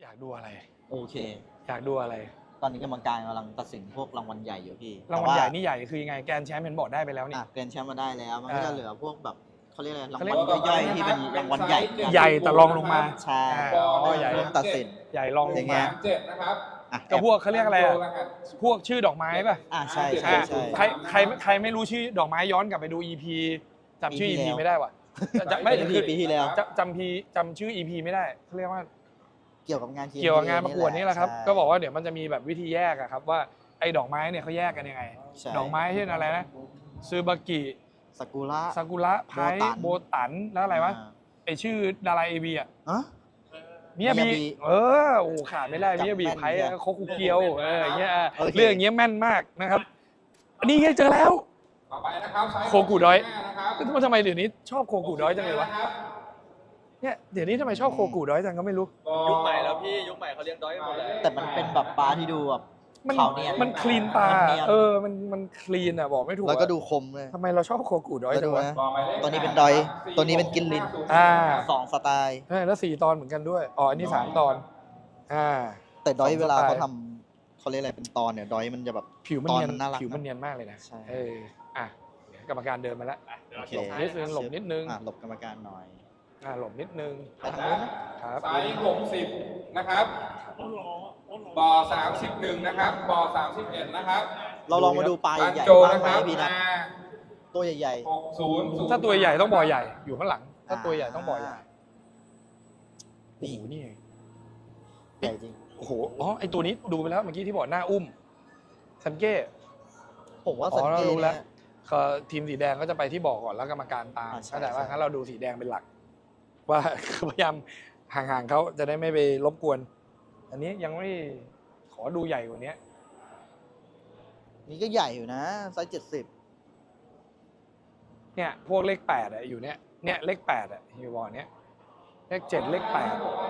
อยากดูอะไรโอเคอยากดูอะไรตอนนี้กรรมการกำลังตัดสินพวกรางวัลใหญ่อยู่พี่รางวัลใหญ่นี่ใหญ่คือยังไงแกรนด์แชมป์เห็นบอกได้ไปแล้วนี่แกรนด์แชมป์มาได้แล้วมันก็จะเหลือพวกแบบเขาเรียกอะไรรางเขาเรีวัยลกย่อยๆที่เป็นรางวัลใหญ่ใหญ่แต่รองลงมาใช่ใหญ่ร่วมตัดสินใหญ่รองลงมา 7นะครับก็พวกเขาเรียกอะไรอะพวกชื่อดอกไม้ป่ะใช่ใช่ใช่ใครไม่รู้ชื่อดอกไม้ย้อนกลับไปดู EP จำชื่อ EP ไม่ได้ว่ะไม่คือปีที่แล้วจำชื่อ EP ไม่ได้เขาเรียกว่าเกี่ยวกับงานเกี่ยวกับงานประกวดนี่แหละครับใช่ก็บอกว่าเดี๋ยวมันจะมีแบบวิธีแยกอะครับว่าไอ้ดอกไม้เนี่ยเขาแยกกันยังไงใช่ดอกไม้เช่นอะไรนะซูบากิซากุระซากุระไพโบตันแล้วอะไรวะไอชื่อดาราเอวีอะ มิยาบิโอ้ขาดไม่ได้มิยาบิไพ่โคคุเกียวอย่างเงี้ยเรื่องอย่างเงี้ยแม่นมากนะครับนี่ไงเจอแล้วต่อไปนะครับไซส์โคกุดอยนะครับทำไมเดี๋ยวนี้ชอบโคกุดอยจังเลยวะเนี่ยเดี๋ยวนี้ทำไมชอบโคกุดอยจังก็ไม่รู้ยุคใหม่แล้วพี่ยุคใหม่เขาเลี้ยงดอยกันหมดแล้วแต่มันเป็นแบบปลาที่ดูแบบมันขาวเนียนมันคลีนตามันเนียนมันคลีนอ่ะบอกไม่ถูกแล้วก็ดูคมเลยทำไมเราชอบโคกุดอยแล้วจัดูงวะนะตัวนี้เป็นดอย ตัวนี้เป็นกินลิน 2 สไตล์แล้ว4 ตอนเหมือนกันด้วยอันนี้3 ตอนแต่ดอย 2 เวลาสไตล์เขาทำเขาเรียกอะไรเป็นตอนเนี่ยดอยมันจะแบบผิวมันเนียนตอนมันน่ารักผิวมันเนียนมากเลยนะใช่กรรมการเดินมาแล้วโอเคนิดนึงหลบนิดนึงหลบกรรมการหน่อยหลบนิดนึงไปทางนู้นนะครับไซส์60นะครับบ่อ31นะครับบ่อ31นะครับเราลองมาดูปลาตันใหญ่โจๆบ้างนะไหมครับพี่นัทตัวใหญ่ 60 ถ้าตัวใหญ่ต้องบ่อใหญ่อยู่ข้างหลังๆถ้าตัวใหญ่ต้องบ่อใหญ่โอ้นี่โหนี่ไงใหญ่จริงโอ้โหไอตัวนี้ดูไปแล้วเมื่อกี้ที่บอกหน้าอุ้มซันเก้ผมว่าสังเราเกตรู้แล้วเนี่ยทีมสีแดงก็จะไปที่บ่อก่อนแล้วกรรมการตามใช่เข้าใจว่าใช่งั้นเราดูสีแดงเป็นหลัก ว่า พยายามห่างๆเขาจะได้ไม่ไปรบกวน อันนี้ยังไม่ขอดูใหญ่กว่านี้นี่ก็ใหญ่อยู่นะไซส์70 เนี่ยพวกเลข8อะอยู่เนี่ยเลข8อะอยู่บ่อเนี้ยเลข7เลข8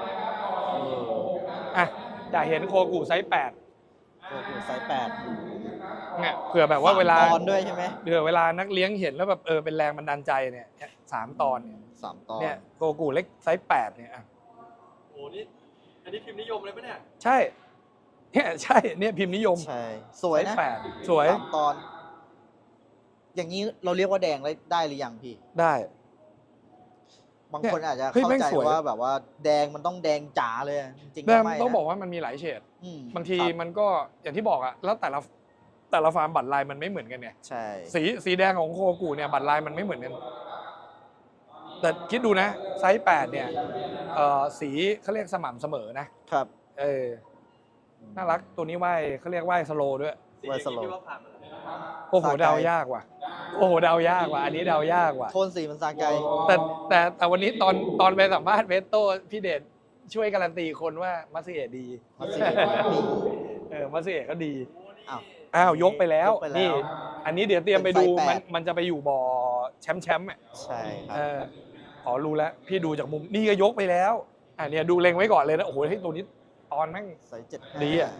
อยากเห็นโคกุไซส์8 โอ้โหไซส์8 เนี่ยเผื่อแบบว่าเวลาตอนด้วยใช่ไหมเวลานักเลี้ยงเห็นแล้วแบบเป็นแรงบันดาลใจเนี่ย3 ตอนเนี่ย 3 ตอนเนี่ยโกกูเล็กไซส์8เนี่ยโอ้นี่อันนี้พิมพ์นิยมเลยปะเนี่ยใช่เนี่ยพิมพ์นิยมใช่สวยนะไซส์8สวย 3 ตอน อย่างนี้เราเรียกว่าแดงได้หรือยังพี่ได้บางคนอาจจะเฮ้ยเข้าแม่งใจสวยว่าแบบว่าแดงมันต้องแดงจ๋าเลยจริงๆแต่ก็ไม่ต้องนะบอกว่ามันมีหลายเฉด บางทีครับมันก็อย่างที่บอกอะแล้วแต่ละฟาร์มบัตรลายมันไม่เหมือนกันเนี่ยใช่สีแดงของโคกูเนี่ยบัตรลายมันไม่เหมือนกัน แต่คิดดูนะไซส์8เนี่ยสีเขาเรียกสม่ำเสมอนะครับน่ารักตัวนี้ไหวเขาเรียกไหวสโลด้วยไวสโลพี่ว่าผ่านมาแล้วโอ้โหเดายากว่ะอันนี้เดายากว่ะโทนสีมันซาไกแต่วันนี้ตอนไปสัมภาษณ์เวสโต้พี่เดชช่วยการันตีคนว่ามัสเอะดีมัสเอะดีมัสเอะก็ดีอ้าวยกไปแล้วยกไปแล้วนี่อันนี้เดี๋ยวเตรียมไปดูเป็นไฟแปดมันจะไปอยู่บ่อแชมป์อ่ะใช่ครับรู้แล้วพี่ดูจากมุมนี่ก็ยกไปแล้วเนี่ยดูเล็งไว้ก่อนเลยนะโอ้โหให้ตัวนี้ตอนแม่งไซส์75 ดีอ่ะ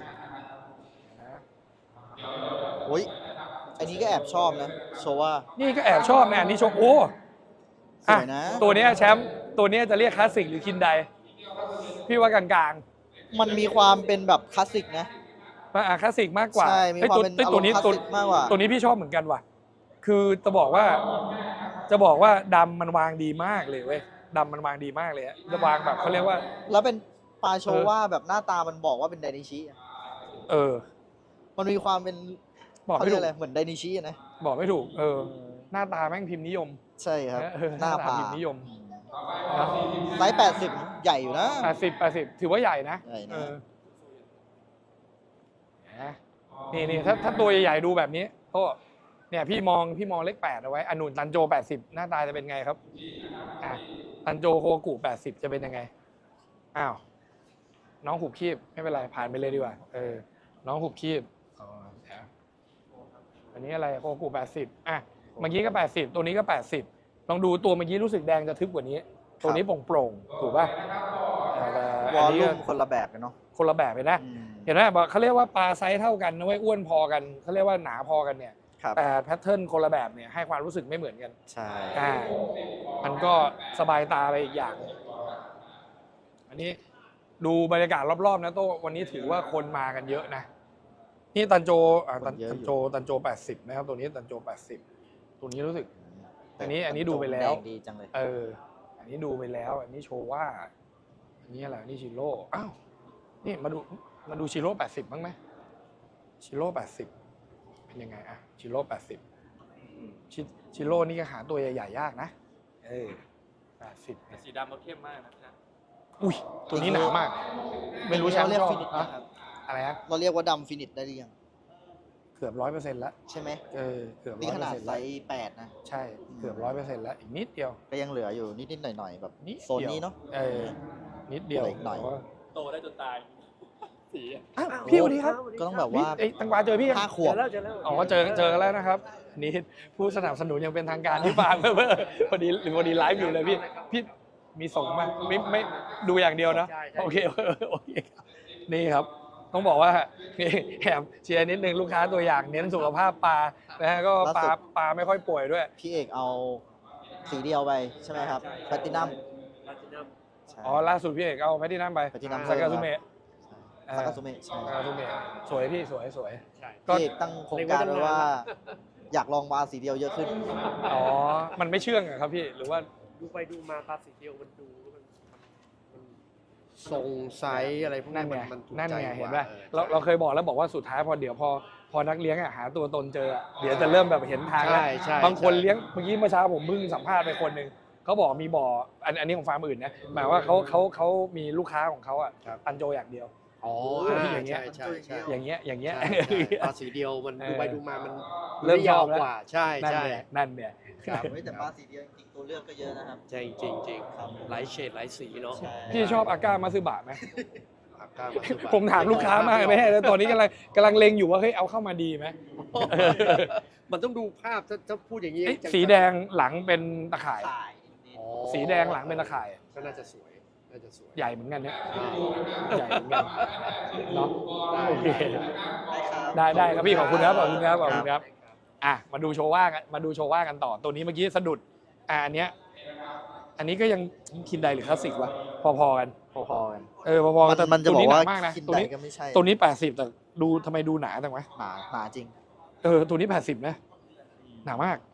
โอ้ยอันนี้ก็แอบชอบนะโชว่านี่ก็แอบชอบนะอันนี้ชกโอ้สวยนะตัวเนี้ยแชมป์ตัวเนี้ยจะเรียกคลาสสิกหรือคินไดพี่ว่ากลางมันมีความเป็นแบบคลาสสิกนะๆคลาสสิกมากกว่าใช่มีความเป็นตัวนี้อารมณ์คลาสสิกมากกว่าตัวนี้พี่ชอบเหมือนกันว่ะคือจะบอกว่าดำมันวางดีมากเลยเว้ยดำมันวางดีมากเลยจะวางแบบเขาเรียกว่าแล้วเป็นปลาโชว่าแบบหน้าตามันบอกว่าเป็นไดนิชิอะมันมีความเป็นบอกเขาไม่เรียถูกกอะไรเหมือนไดนิชิอะนะบอกไม่ถูกหน้าตาแม่งพิมพ์นิยมใช่ครับหน้าตาผาพิมพ์นิยมไซส์80 ใหญ่อยู่นะ 80ถือว่าใหญ่นะใหญ่นะนี่ถ้าตัวใหญ่ๆดูแบบนี้ก็เนี่ยพี่มองเลข8เอาไว้อนุนตันโจ80หน้าตาจะเป็นไงครับตันโจโคกุ80จะเป็นยังไงอ้าวน้องหุบคีบไม่เป็นไรผ่านไปเลยดีกว่าน้องหุบคีบอันนี้อะไรโคกุ80เมื่อกี้ก็80ตัวนี้ก็80ลองดูตัวเมื่อกี้รู้สึกแดงจะทึบกว่านี้ ตัวนี้โปร่งๆถูกป่ะวอลลุ่มคนละแบบกันเนาะคนละแบบเลยนะอืมเห็นไหมบอกเขาเรียกว่าปลาไซส์เท่ากันนะเว้ยอ้วนพอกันเขาเรียกว่าหนาพอกันเนี่ยครับแต่แพทเทิร์นคนละแบบเนี่ยให้ความรู้สึกไม่เหมือนกันใช่มันก็สบายตาไปอีกอย่าง อันนี้ดูบรรยากาศรอบๆนะโต้วันนี้ถือว่าคนมากันเยอะนะนี่ตันโจตันโจ80นะครับตัวนี้ตันโจ80ตัวนี้รู้สึก อันนี้ดูไปแล้วดงดีจังเลยอันนี้ดูไปแล้ว อันนี้โชว่าอันนี้อะไรนี่ชิโร่อ้าวนี่มาดูชิโร่80บ้างไหมชิโร่80เป็นยังไงอะชิโร่80ชิโร่นี่ก็หาตัวใหญ่ๆยากนะ80 แต่สีดำมันเข้มมากนะครับอุ้ยตัวนี้หนามาก ไม่รู้แชมป์เรียชกอบฟินิชนะครับอะไรฮะเราเรียกว่าดำฟินิชได้หรือยังเกือบ100%แล้วใช่ไหมเกือบนี่ขนาด 100% ไซแล้วส์8นะใช่เกือบ100%แล้วอีกนิดเดียวก็ยังเหลืออยู่นิดๆหน่อยๆแบบนิดโซนนี้เนาะนิดเดียวเหลืออีกหน่อยแต่ว่าโตได้จนตายสีอะอ้าวพี่สวัสดีครับก็ต้องแบบว่าเอ้ยตังกวาเจอพี่ยัง 5 ขวบอ๋อเจอกันแล้วนะครับอันนี่ผู้สนับสนุนยังเป็นทางการที่ฟาร์มพอดีไลฟ์อยู่เลยพี่มีส่งมาไม่ดูอย่างเดียวนะโอเคครับนี่ครับต้องบอกว่านี่แอบเชียร์นิดนึงลูกค้าตัวอย่างเน้นสุขภาพปลานะฮะก็ปลาไม่ค่อยป่วยด้วยพี่เอกเอาสีเดียวไปใช่ไหมครับแพลตินัมลาตินัมอ๋อล่าสุดพี่เอกเอาแพทที่นั่นไปแพลตินัมซากาซุเมะซากาซุเมะใช่ซากาซุเมะสวยพี่สวยใช่ก็พี่เอกตั้งโครงการไว้ว่า อยากลองวาสีเดียวเยอะขึ้นอ๋อมันไม่เชื่องอะครับพี่หรือว่าดูไปดูมาปลาสีเดียวมันดูมันทรงไซส์อะไรพวกนั่นี้นไงมันถูกนั่นใจไงกเห็นว่าป่ะเราเคยบอกแล้วบอกว่าสุดท้ายพอนักเลี้ยงอะหาตัวตนเจออะเดี๋ยวจะเริ่มแบบเห็นทางแล้วใช่บางคนเลี้ยงเมื่อกี้เมื่อเช้าผมเพิ่งสัมภาษณ์ไปคนหนึ่งเขาบอกมีบ่ออันนี้ของฟาร์มอื่นนะหมายว่าเขามีลูกค้าของเขาอะตันโจอย่างเดียวอ๋ออย่างเงี้ยใช่อย่างเงี้ยใช่ปลาสีเดียวมันเออดูไปดูมามันเริ่มยาวชอบแล้วกว่าใช่นั่นใช่เนี่ยนั่นเนี่ยครับเฮ้ยแต่ปลาสีเดียวจริงๆตัวเลือกก็เยอะนะครับใช่จริงจริงหลายเฉดหลายสีเนาะพี่ชอบอาก้ามาซึบะไหมปากกามาสุบะผมถามลูกค้ามากไม่ใช่แล้วตอนนี้กำลังเล็งอยู่ว่าเฮ้ยเอาเข้ามาดีไหมมันต้องดูภาพถ้าพูดอย่างนี้เอ้ยจังๆสีแดงหลังเป็นตะข่ายอ๋อสีแดงหลังเป็นตะข่ายก็น่าจะสวยน่าจะสวยใหญ่เหมือนกันเนี่ยอ่าใหญ่เหมือนกันเนาะโอเคได้ครับได้ครับพี่ขอบคุณครับขอบคุณครับอ่ะมาดูโชว่ากันต่อตัวนี้เมื่อกี้สะดุดอันเนี้ยก็ยังคินไดหรือคลาสสิกวะพอๆกันพอๆกันพอๆกันแต่มันจะตัวบอกนี้หว่านักมากนะคินตัวไดนี้ก็ไม่ใช่ตัวนี้80แต่ดูทำไมดูหนาจังวะหนาจริงตัวนี้80นะหนามาก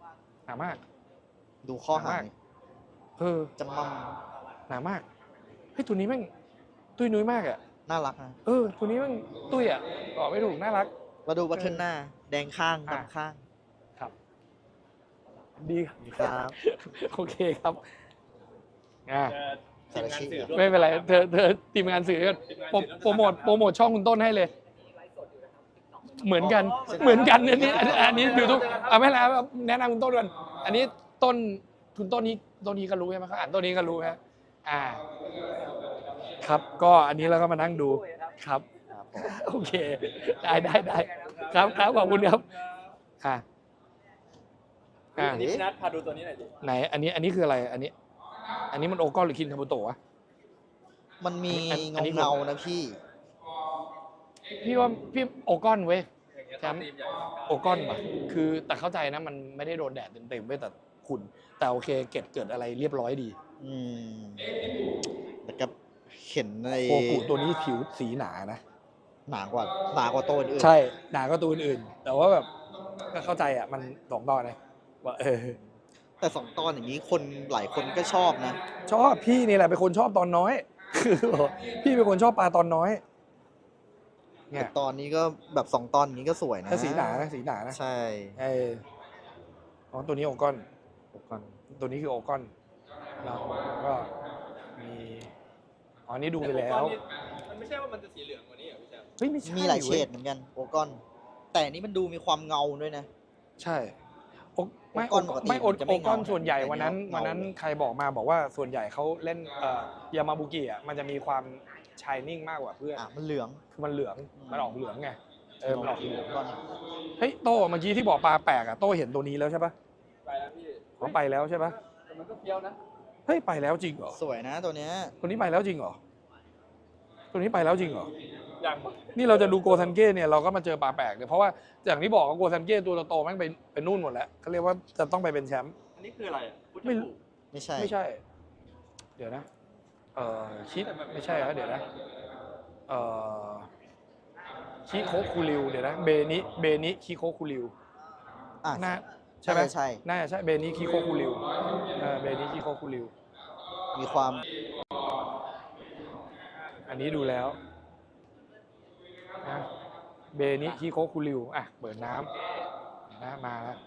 ดูข้อหาง จำมั่มหนามากเฮ้ยตัวนี้แม่งตุ้ยนุ้ยมากอ่ะน่ารักนะตัวนี้แม่งตุ้ยอ่ะบอกไม่ถูกน่ารักมาดูบัตเทิลหน้า แดงข้างอ่ะดำข้างครับ ดีครับครับโอเคครับอ่าทีมงานสื่อร่วมไม่เป็นไรเธอทีมงานสื่อก็โปรโมทช่องคุณต้นให้เลย เหมือนกันอันนี้ดูทุกไม่เป็นไรแนะนำคุณต้นก่อนอันนี้คุณต้นนี้ก็รู้ใช่ไหมเขาอ่านต้นนี้ก็รู้ฮะครับก็อันนี้เราก็มานั่งดูครับครับผมโอเคได้ครับขอบคุณครับอันนี้พี่นัทพาดูตัวนี้หน่อยดิไหนอันนี้คืออะไรอันนี้มันโอกอนหรือคินคาบุโตะวะมันมีอันนี้เงาๆนะพี่พี่ว่าพี่โอกอนเว้ยอย่างเงี้ยแชมป์ทีมใหญ่โอกอนป่ะคือแต่เข้าใจนะมันไม่ได้โดนแดดเต็มๆเว้ยแต่ขุ่นแต่โอเคเกิดอะไรเรียบร้อยดีอืมแต่ก็เห็นในโคกุตัวนี้ผิวสีหนานะหนากว่าตัวอื่นใช่หนาก็ตัวอื่นๆแต่ว่าแบบก็เข้าใจอ่ะมันสองตอนนะว่าแต่2 ตอนอย่างนี้คนหลายคนก็ชอบนะชอบพี่นี่แหละเป็นคนชอบตอนน้อย คือพี่เป็นคนชอบปลาตอนน้อย เนี่แต่ยตอนนี้ก็แบบ2 ตอนอย่างนี้ก็สวยนะถ้าสีหนานะใช่อ๋อตัวนี้โอกอนก่อนตัวนี้คือโอกอนแล้วก็มีอ๋อนี่ดูไปแล้วมันไม่ใช่ว่ามันจะสีเหลืองกว่านี้เหรอพี่แชมป์เฮ้ยไม่ใช่มีหลายเฉว้ดเหมือนกันโอกอน แต่อันนี้มันดูมีความเงาด้วยนะใช่ไม่โอกอนปกติไม่มันจะไม่โอกอนเงาส่วนใหญ่แต่วันนั้นเงาวันนั้นใครบอกมาบอกว่าส่วนใหญ่เขาเล่นยามาบุกิอ่ะมันจะมีความชายนิ่งมากกว่าเพื่อนมันเหลืองคือมันเหลืองมันออกเหลืองไงมันออกเหลืองก่อนเฮ้ยโต้เมื่อกี้ที่บอกปลาแปลกอ่ะโต้เห็นตัวนี้แล้วใช่ปะไปแล้วพี่เขาไปแล้วใช่ปะแต่มันก็เฟี้ยวนะเฮ้ยไปแล้วจริงเหรอสวยนะตัวเนี้ยตัวนี้ไปแล้วจริงเหรอตัวนี้ไปแล้วจริงเหรออย่างนี่เราจะดูโกซันเก้เนี่ยเราก็มาเจอปลาแปลกเนี่ยเพราะว่าอย่างที่บอกว่าโกซันเก้ตัวโตๆแม่งไปนู่นหมดแล้วเขาเรียกว่าจะต้องไปเป็นแชมป์อันนี้คืออะไรอ่ะพุทธไม่ภูไม่ใช่ไม่ใช่ เดี๋ยวนะชิไม่ใช่ครับเดี๋ยวนะเอ่อชิโคคูริวเดี๋ยวนะเบนิคิโคคูริวอ่ะน่าใช่ไหมใช่น่าจะใช่เบนิคิโคคูริวเบนิคิโคคูริวมีความอันนี้ดูแล้วนะเบนิคิโคคูริวอ่ะเปิดน้ำนะมาแล้ว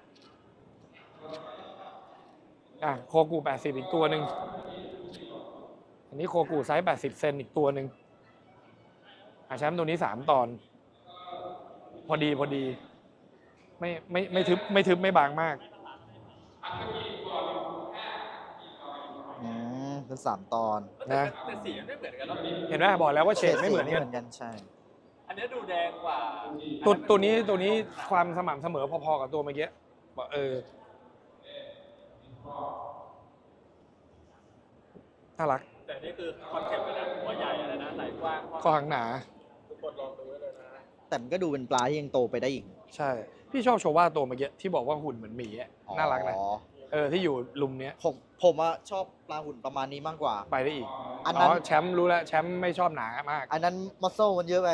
โคกู80อีกตัวหนึ่งอันนี้โคกูไซส์80เซนอีกตัวหนึ่งแชมป์ตัวนี้3ตอน พอดี ไม่ทึบไม่บางมากเป็น3 ตอนนะแต่สีมันไม่เหมือนกันเนาะเห็นไหมบอกแล้วว่าเฉดไม่เหมือนกันกันใช่อันนี้ดูแดงกว่าตัวนี้ความสม่ำเสมอพอๆกับตัวเมื่อกี้บอกน่ารักแต่นี่คือคอนเซ็ปต์เลยนะหัวใหญ่อะไรนะไหล่กว้างคอหางหนาทุกคนลองดูไว้เลยนะแต่มันก็ดูเป็นปลาที่ยังโตไปได้อีกใช่ พี่ชอบโชว่าตัวเมื่อกี้ที่บอกว่าหุ่นเหมือนหมีอะน่ารักนะอ๋อที่อยู่ลุมเนี้ยผมอะชอบปลาหุ่นประมาณนี้มากกว่าไปได้อีกอันนั้นแชมป์รู้แล้วแชมป์ไม่ชอบหนามากอันนั้นมัสโซมันเยอะไป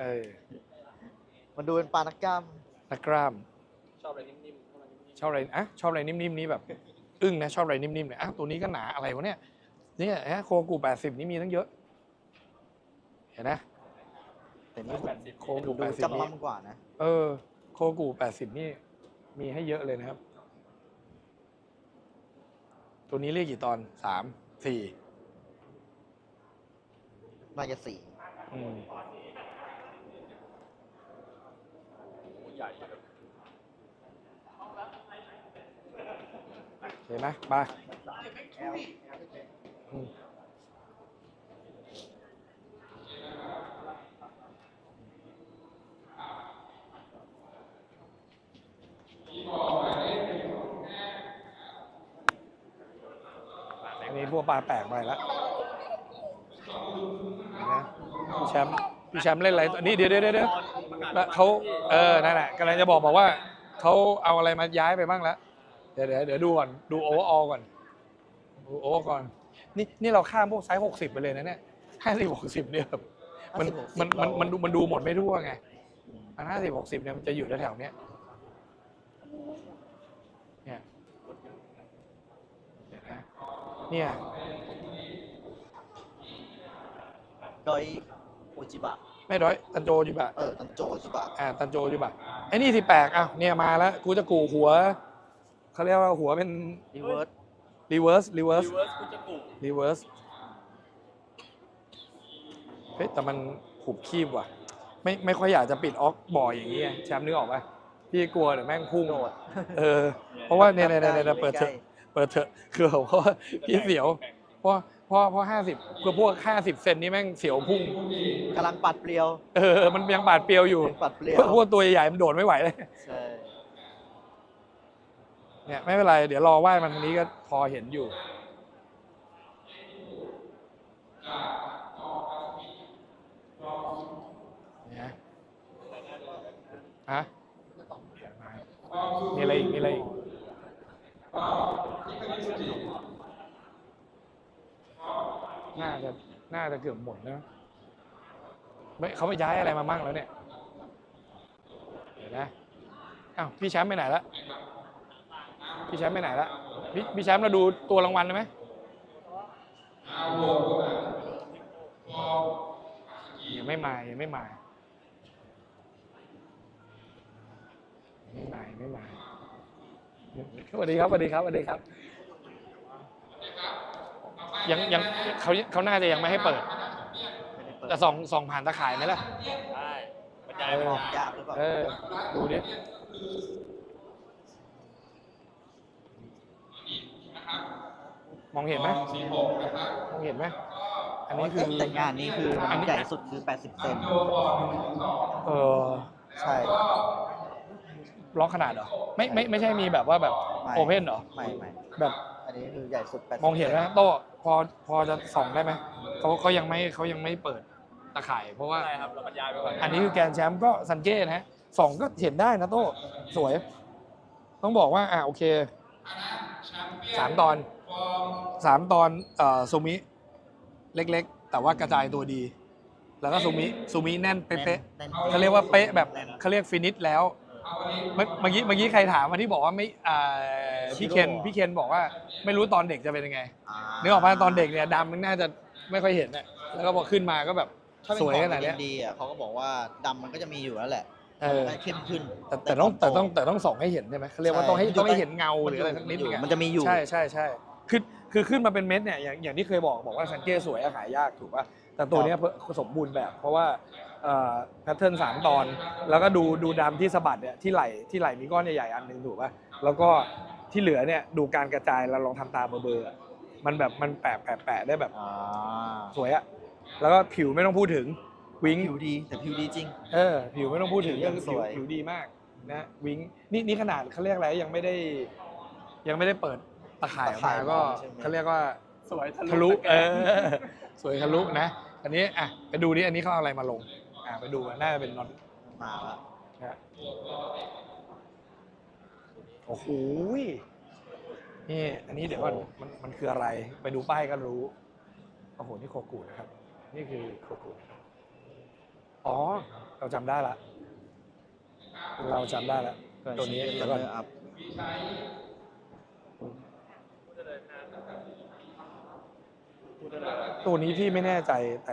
มันดูเป็นปลานักกล้ามนักกล้ามชอบอะไรนิ่มๆชอบอะไรนิ่มๆนี้แบบ อึ้งนะชอบอะไรนิ่มๆเนี่ยตัวนี้ก็หนาอะไรวะเนี่ยโคกู80นี่มีตั้งเยอะ เห็นนะแต่นี่โคกูดู 80 จำนี่มั่มกว่านะโคกู80นี่มีให้เยอะเลยนะครับ ตัวนี้เรียกกี่ตอน3 4 น่าจะ4 ใหญ่แบบเห็นไหมไปอันนี้พวกปลาแปลกไปแล้วนะพี่แชมป์เล่นอะไรตัวนี้เดี๋ยวแล้วเขานั่นแหละกำลังจะบอกว่าเขาเอาอะไรมาย้ายไปบ้างแล้วเดี๋ยวดูก่อนดูโอเวอร์ออลก่อนดูโอเวอร์ก่อนนี่เราข้ามพวกไซส์60ไปเลยนะเนี่ย50-60เนี่ยแบบมันดูหมดไม่ทั่วไงมัน50-60เนี่ยมันจะอยู่แถวๆเนี้ยเนี่ยโดยโอจิบะไม่ร้อยตันโจอยู่ปะตันโจโอจิบะตันโจอยู่ปะไอ้นี่สิแปลกเนี่ยมาแล้วกูจะกูหัวเขาเรียกว่าหัวเป็นรีเวิร์สรีเวิร์สรีเวิร์สคุณจะปลูกรีเวิร์สเฮ้ยแต่มันหุบคีบว่ะไม่ค่อยอยากจะปิดออกบ่อยอย่างนี้แชมป์นึกออกป่ะพี่กลัวเดี๋ยวแม่งพุ่งโดดเพราะว่าเนี่ยเปิดเถอะคือเพราะว่าพี่เสียวเพราะ50คือพวก50เซนนี่แม่งเสียวพุ่งกำลังปัดเปรียวมันยังบาดเปรียวอยู่ปัดเปรียวพวกตัวใหญ่ๆมันโดดไม่ไหวเลยใช่เนี่ยไม่เป็นไรเดี๋ยวรอว่ายมันทางนี้ก็พอเห็นอยู่เนี่ยมีอะไรอีกน่าจะเกือบหมดนะไม่เขาไปย้ายอะไรมามั่งแล้วเนี่ยเดี๋ยวนะพี่แชมป์ไปไหนละพี่แชมป์เราดูตัวรางวัลได้ไหมยังไม่มาสวัสดีครับยังเขาน่าจะยังไม่ให้เปิดแต่ส่องผ่านตะข่ายไหมล่ะใช่บรรยายยากหรือเปล่าดูดิมองเห็นไหมอันนี้คือแต่งานนี้คืออัมันนนี้ใหญ่สุดคือ80เซน ใช่ล็อกขนาดเหรอไม่ใช่มีแบบว่าแบบไม่โอเพนเหรอไม่แบบอันนี้คือใหญ่สุด80 มองเห็นไหมโต้พอจะส่องได้ไหมเขายังไม่เปิดตะข่ายเพราะว่าใช่ครับเราบรรยายไปก่อนอันนี้คือแกนแชมป์ก็ซันเก้นะฮะส่องก็เห็นได้นะโต้สวย ต้องบอกว่าโอเค3 ตอนซูมิเล็กๆ แต่ว่ากระจายตัวดี แล้วก็ซูมิแน่นเป๊ะแน่นๆเขาเรียกว่าเป๊ะแบบแน่นเขาเรียกฟินิชแล้ว เมื่อกี้ใครถามมาที่บอกว่าไม่พี่เคนบอกว่าไม่รู้ตอนเด็กจะเป็นยังไงนึกออกป่ะตอนเด็กเนี่ยดำมันน่าจะไม่ค่อยเห็นอะแล้วก็พอขึ้นมาก็แบบถ้าเป็นสวยของขนาดเนี้ยดีอ่ะเขาก็บอกว่าดำมันก็จะมีอยู่แล้วแหละเออมันจะเข้มขึ้นแต่ต้องส่องให้เห็นใช่ไหมเขาเรียกว่าต้องให้เห็นเงาหรืออะไรสักนิดนึงอะมันจะมีอยู่ใช่คือขึ้นมาเป็นเม็ดเนี่ยอย่างที่เคยบอกว่าซันเก้สวยอะขายยากถูกป่ะแต่ตัวเนี้ยสมบูรณ์แบบ เพราะว่าแพทเทิร์น3 ตอน แล้วก็ดูดำที่สะบัดเนี่ยที่ไหล่มีก้อนใหญ่ๆอันหนึงถูกป่ะแล้วก็ที่เหลือเนี่ยดูการกระจายเราลองทำตาเบอร์อะมันแบบมันแปะได้แบบอ่าสวยอะแล้วก็ผิวไม่ต้องพูดถึงวิงผิวดีแต่ผิวดีจริงผิวไม่ต้องพูดถึงยังสวยผิวดีมากนะวิงนี่ขนาดเขาเรียกอะไรยังไม่ได้เปิดตะข่ายออกมาก็เขาเรียกว่าสวยทะลุสวยทะลุนะอันนี้อ่ะไปดูดิอันนี้เขาเอาอะไรมาลงไปดูน่าจะเป็นน็อตมาละนะโอ้โหนี่อันนี้เดี๋ยวก่อนมันคืออะไร ไปดูป้ายก็รู้โอ้โหนี่โคกุนะครับ นี่คือโคกุอ๋อเราจำได้ละตัวนี้เดี๋ยวก่อนอัพตัวนี้พี่ไม่แน่ใจแต่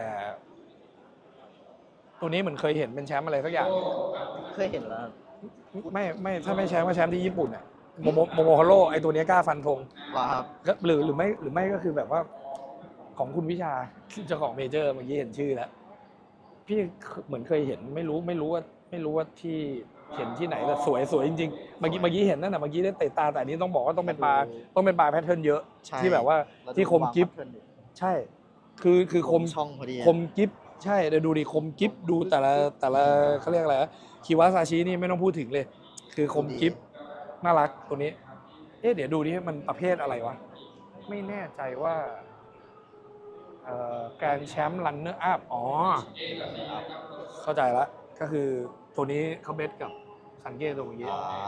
ตัวนี้เหมือนเคยเห็นเป็นแชมป์อะไรสักอย่างเคยเห็นแล้วไม่ถ้าไม่แชมป์ก็แชมป์ที่ญี่ปุ่นอ่ะโมโมฮาโร่ไอตัวนี้กล้าฟันธงว่าครับก็หรือไม่ก็คือแบบว่าของคุณวิชาเจ้าของเมเจอร์เมื่อกี้เห็นชื่อแล้วพี่เหมือนเคยเห็นไม่รู้ว่าที่เห็นที่ไหนแต่สวยจริงๆเมื่อกี้เห็นนั่นน่ะเมื่อกี้ได้เตะตาแต่อันนี้ต้องบอกว่าต้องเป็นปลาแพทเทิร์นเยอะใช่ที่แบบว่าที่คมกิฟ ใช่ คือคมช่องพอดีคมกิฟใช่เดี๋ยวดูดิคมกิฟดูแต่ละเขาเรียกอะไรคิวาซาชินี่ไม่ต้องพูดถึงเลย คือคมกิฟน่ารักตัวนี้ เดี๋ยวดูดิมันประเภทอะไรวะ ไม่แน่ใจว่าแกรนด์แชมป์รันเนอร์อัพอ๋อ เข้าใจละก็คือตัวนี้เขาเบสกับซันเก้ตัวเมื่อกี้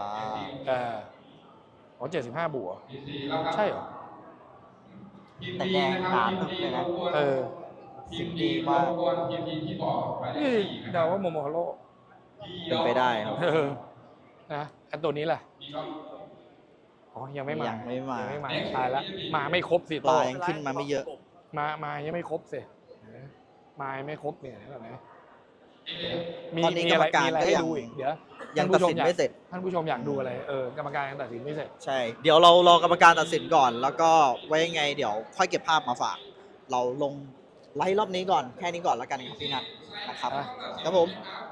75 บวกใช่เหรอแต่แดงน้ำเลยนะ สิ่งดีมากนี่เดาว่าโมโมฮาโร่เป็นไปได้ครับนะอันตัวนี้แหละอ๋อยังไม่มายังไม่มาตายละมาไม่ครบสิปโตลายังขึ้นมาไม่เยอะมายังไม่ครบสิมายังไม่ครบเนี่ยเห็นไหมมีตอนนี้มีอะไรกรรมการมีอะไรก็ให้ยังดูอีกเดี๋ยวยังตัดสินไม่เสร็จท่านผู้ชมอยากดูอะไรกรรมการยังตัดสินไม่เสร็จใช่ เดี๋ยวเรารอกรรมการตัดสินก่อน แล้วก็ไว้ยังไง เดี๋ยวค่อยเก็บภาพมาฝาก เราลงไลฟ์รอบนี้ก่อน แค่นี้ก่อนแล้วกันครับพี่นัทนะครับอ่ะครับผม